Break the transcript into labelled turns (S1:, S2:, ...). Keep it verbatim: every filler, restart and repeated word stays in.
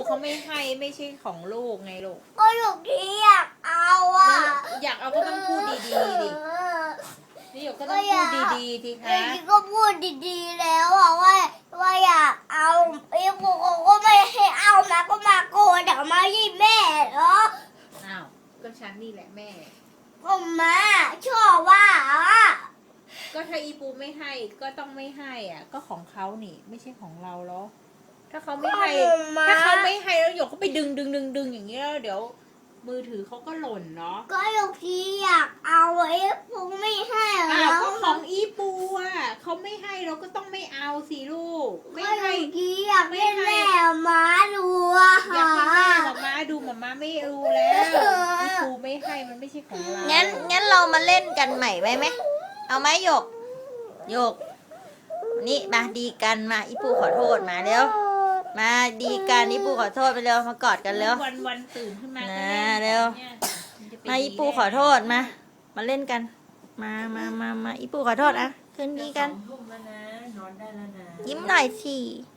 S1: เขาไม่ให้ไม่ใช่ของลูกไงลูก
S2: ก็หยกที่อยากเอาอ่ะ
S1: อยากเอาก็ต้องพูดดีๆดินี่หยกก็ต้องพูดดีๆที
S2: ไอ้
S1: คะ
S2: ที่ก็พูดดีๆแล้วอ่ะว่าว่าอยากเอาไอ้พวกก็ไม่ให้เอานะก็มาโกรธเดี๋ยวมายี่แม่เหรอ
S1: อ้าวก็ฉันนี่แหละแม่
S2: ผมมาชอบว่าอ่ะ
S1: ก็ถ้าอีปูไม่ให้ก็ต้องไม่ให้อ่ะ ก็ของเขานี่ ไม่ใช่ของเราหรอถ้าเขาไม่ให้ถ้าเขาไม่ให้แล้วหยกก็ไปดึงดึงดึงดึงอย่างเงี้ยแล้วเดี๋ยว มือถือเขาก็หล่นเนาะ
S2: ก็หยกที่อยากเอาไอ้พวกไม่ให้เหร
S1: อ้าว
S2: อ
S1: ก็ของอีปูอ่ะเขาไม่ให้เราก็ต้องไม่เอาสิลูกไม่
S2: ก็หย
S1: ให้
S2: กที่อยากให้แม่มาดูอะ
S1: อยาก
S2: ค่ะ
S1: ให้แม่หมาม้าดูหมาม้าไม่รู้แล้วอีปูไม่ให้มันไม่ใช่ของเรา
S3: งั้นงั้นเรามาเล่นกันใหม่ไหมไหมเอาไหมหยกหยกนี่มาดีกันมาอีปูขอโทษมาเร็วมาดีกันอีปูขอโทษไปเร็วมากอดกันเร็ว
S1: วันวันๆตื่นขึ้นมาก็
S3: นะ
S1: เล่น
S3: เร็ว
S1: นี่ยนจะไป
S3: มาอีปู
S1: ดีได้
S3: ขอโทษมา มาเล่นกัน มามามามาอีปูขอโทษอ่ะคืนดีกัน
S4: สองทุ่มแล้วนะนอนได้แล้วนะ
S3: ยิ้มหน่อยสิ
S4: น